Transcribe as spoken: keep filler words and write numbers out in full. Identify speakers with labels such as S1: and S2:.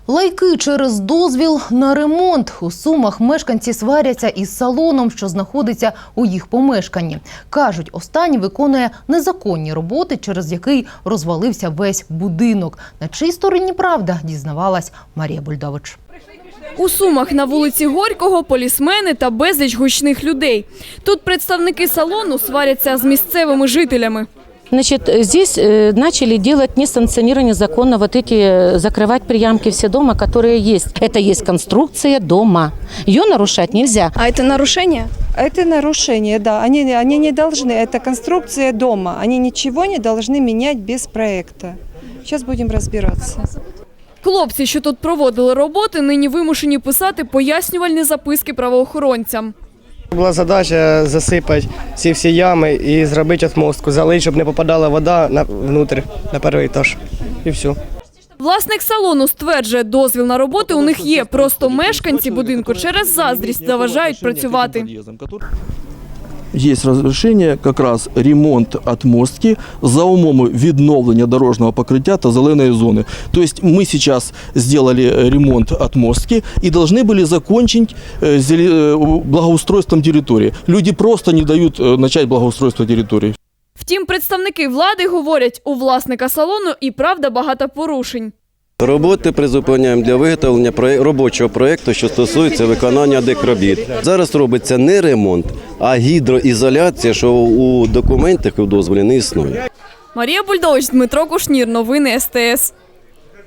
S1: Лайки через дозвіл на ремонт. У Сумах мешканці сваряться із салоном, що знаходиться у їх помешканні. Кажуть, останній виконує незаконні роботи, через який розвалився весь будинок. На чиїй стороні правда, дізнавалась Марія Бульдович.
S2: У Сумах на вулиці Горького полісмени та безліч гучних людей. Тут представники салону сваряться з місцевими жителями.
S3: Значит, здесь э, начали делать несанкционированные законно вот эти, э, закрывать приямки все дома, которые есть. Это есть конструкция дома. Ее нарушать нельзя.
S2: А это нарушение?
S4: Это нарушение, да. Они, они не должны, это конструкция дома. Они ничего не должны менять без проекта. Сейчас будем разбираться.
S2: Хлопці, що тут проводили роботи, нині вимушені писати пояснювальні записки правоохоронцям.
S5: Була задача засипати ці всі ями і зробити отмостку, залити, щоб не попадала вода на, внутрь, на перший етаж. І все.
S2: Власник салону стверджує, дозвіл на роботи у них є, просто мешканці будинку через заздрість заважають працювати.
S6: Есть разрешение как раз ремонт отмостки за умови відновлення дорожнього покриття та зеленої зони. То есть мы сейчас сделали ремонт отмостки и должны были закончить благоустройством территории. Люди просто не дают начать благоустройство территории.
S2: Втім, представники влади говорять, у власника салону і правда багато порушень.
S7: Роботи призупиняємо для виготовлення робочого проєкту, що стосується виконання декробіт. Зараз робиться не ремонт, а гідроізоляція, що у документах і в дозволі не існує.
S2: Марія Бульдович, Дмитро Кушнір. Новини ес те ес.